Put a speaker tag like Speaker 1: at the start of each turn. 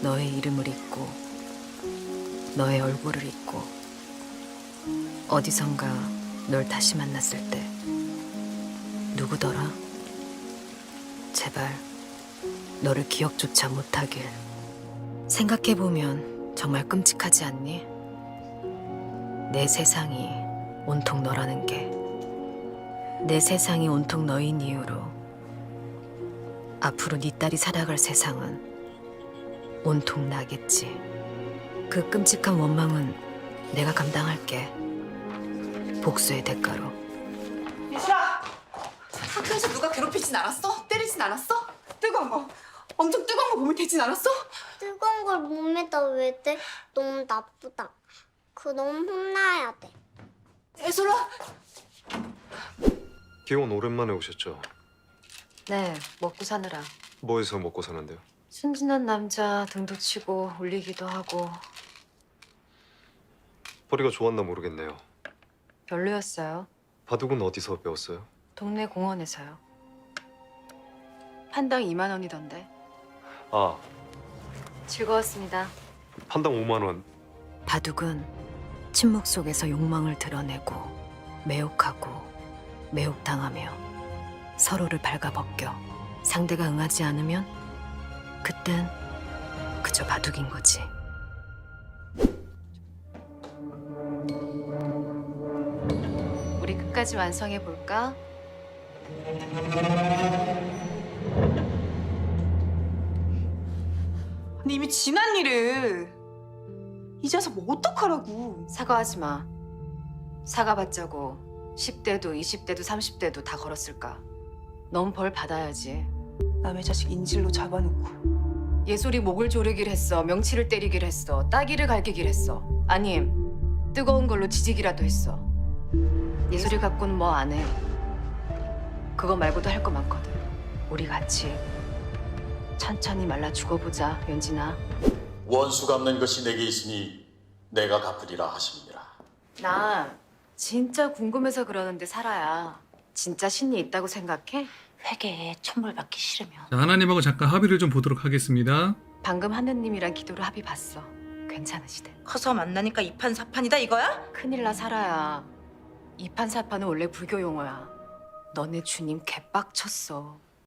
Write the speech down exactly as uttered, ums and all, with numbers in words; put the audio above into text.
Speaker 1: 너의 이름을 잊고 너의 얼굴을 잊고 어디선가 널 다시 만났을 때 누구더라? 제발 너를 기억조차 못하길. 생각해보면 정말 끔찍하지 않니? 내 세상이 온통 너라는 게. 내 세상이 온통 너인 이유로 앞으로 네 딸이 살아갈 세상은 온통 나겠지. 그 끔찍한 원망은 내가 감당할게. 복수의 대가로.
Speaker 2: 예슬아! 학교에서 누가 괴롭히진 않았어? 때리진 않았어? 뜨거운 거, 엄청 뜨거운 거 몸에 대진 않았어?
Speaker 3: 뜨거운 걸 몸에다 왜 대? 너무 나쁘다. 그럼 혼나야 돼.
Speaker 2: 예슬아!
Speaker 4: 기원 오랜만에 오셨죠?
Speaker 1: 네, 먹고 사느라.
Speaker 4: 뭐 해서 먹고 사는데요?
Speaker 1: 순진한 남자 등도 치고 울리기도 하고.
Speaker 4: 허리가 좋았나 모르겠네요.
Speaker 1: 별로였어요.
Speaker 4: 바둑은 어디서 배웠어요?
Speaker 1: 동네 공원에서요. 판당 이만 원이던데.
Speaker 4: 아,
Speaker 1: 즐거웠습니다.
Speaker 4: 판당 오만 원.
Speaker 1: 바둑은 침묵 속에서 욕망을 드러내고 매혹하고 매혹당하며 서로를 발가벗겨. 상대가 응하지 않으면 그땐 그저 바둑인 거지. 우리 끝까지 완성해 볼까?
Speaker 2: 아니 이미 지난 일을 이제서 뭐 어떡하라고.
Speaker 1: 사과하지 마. 사과받자고 십 대도 이십 대도 삼십 대도 다 걸었을까? 넌 벌 받아야지.
Speaker 2: 남의 자식 인질로 잡아놓고.
Speaker 1: 예솔이 목을 조르길 했어. 명치를 때리길 했어. 따귀를 갈기길 했어. 아님 뜨거운 걸로 지지기라도 했어. 예솔이 갖고는 뭐 안 해. 그거 말고도 할 거 많거든. 우리 같이 천천히 말라 죽어보자, 연진아.
Speaker 5: 원수 갚는 것이 내게 있으니 내가 갚으리라 하십니다.
Speaker 1: 나 진짜 궁금해서 그러는데 살아야 진짜 신이 있다고 생각해?
Speaker 6: 회계에 천벌받기 싫으면
Speaker 7: 자, 하나님하고 잠깐 합의를 좀 보도록 하겠습니다.
Speaker 1: 방금 하느님이랑 기도를 합의 봤어. 괜찮으시대.
Speaker 6: 커서 만나니까 이판사판이다 이거야?
Speaker 1: 큰일 나 살아야. 이판사판은 원래 불교 용어야. 너네 주님 개빡쳤어.